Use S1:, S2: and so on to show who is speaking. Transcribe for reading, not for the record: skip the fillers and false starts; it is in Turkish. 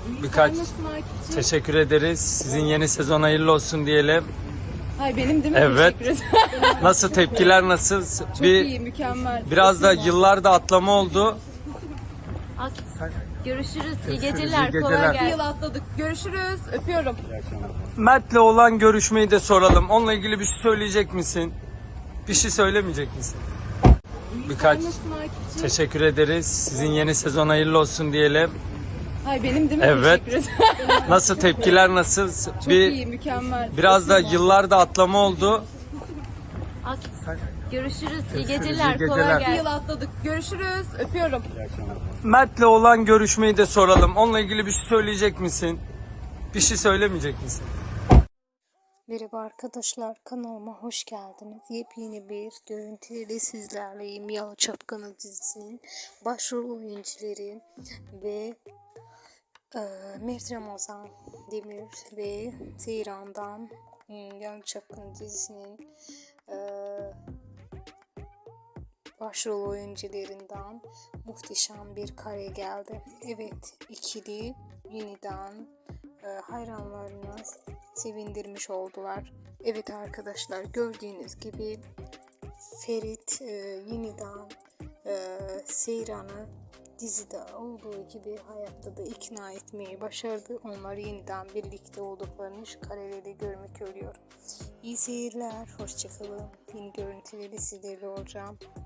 S1: Birkaç
S2: Sen nasılsın Akif'ciğim?
S1: teşekkür ederiz. Sizin yeni sezon hayırlı olsun diyelim.
S2: Hayır benim değil mi?
S1: Evet.
S2: Teşekkür ederim.
S1: Nasıl tepkiler nasıl?
S2: Çok iyi, mükemmel.
S1: Biraz da yıllarda atlama oldu.
S3: Görüşürüz. İyi
S1: iyi
S3: geceler.
S1: geceler.
S3: Kolay
S2: Bir
S3: gelsin.
S2: yıl atladık. Görüşürüz. Öpüyorum.
S1: Mert'le olan görüşmeyi de soralım. Onunla ilgili bir şey söyleyecek misin? Bir şey söylemeyecek misin? Birkaç
S2: Sen nasılsın Akif'ciğim?
S1: teşekkür ederiz. Sizin yeni sezon hayırlı olsun diyelim.
S2: Hayır benim değil mi?
S1: Evet.
S2: Teşekkür ederim.
S1: Nasıl tepkiler nasıl?
S2: Çok iyi, mükemmel.
S1: Biraz da yıllarda atlama oldu.
S3: Görüşürüz. İyi
S1: iyi
S3: geceler.
S1: geceler.
S3: Kolay
S2: Bir
S3: gelsin.
S2: yıl atladık. Görüşürüz. Öpüyorum.
S1: Mert'le olan görüşmeyi de soralım. Onunla ilgili bir şey söyleyecek misin? Bir şey söylemeyecek misin?
S4: Merhaba arkadaşlar, kanalıma hoş geldiniz. Yepyeni bir görüntüyle sizlerleyim. Yalı Çapkını dizisinin başrol oyuncuları ve Mert Ramazan Demir ve Seyran'dan Yalı Çapkını dizisinin başrol oyuncularından muhteşem bir kare geldi. Evet, ikili yeniden hayranlarını sevindirmiş oldular. Evet arkadaşlar, gördüğünüz gibi Ferit yeniden Seyran'ı dizide olduğu gibi hayatta da ikna etmeyi başardı. Onlar yeniden birlikte olduklarını şu kareleri görmek oluyor. İyi seyirler, hoşçakalın. Yeni görüntüleri sizlerle olacağım.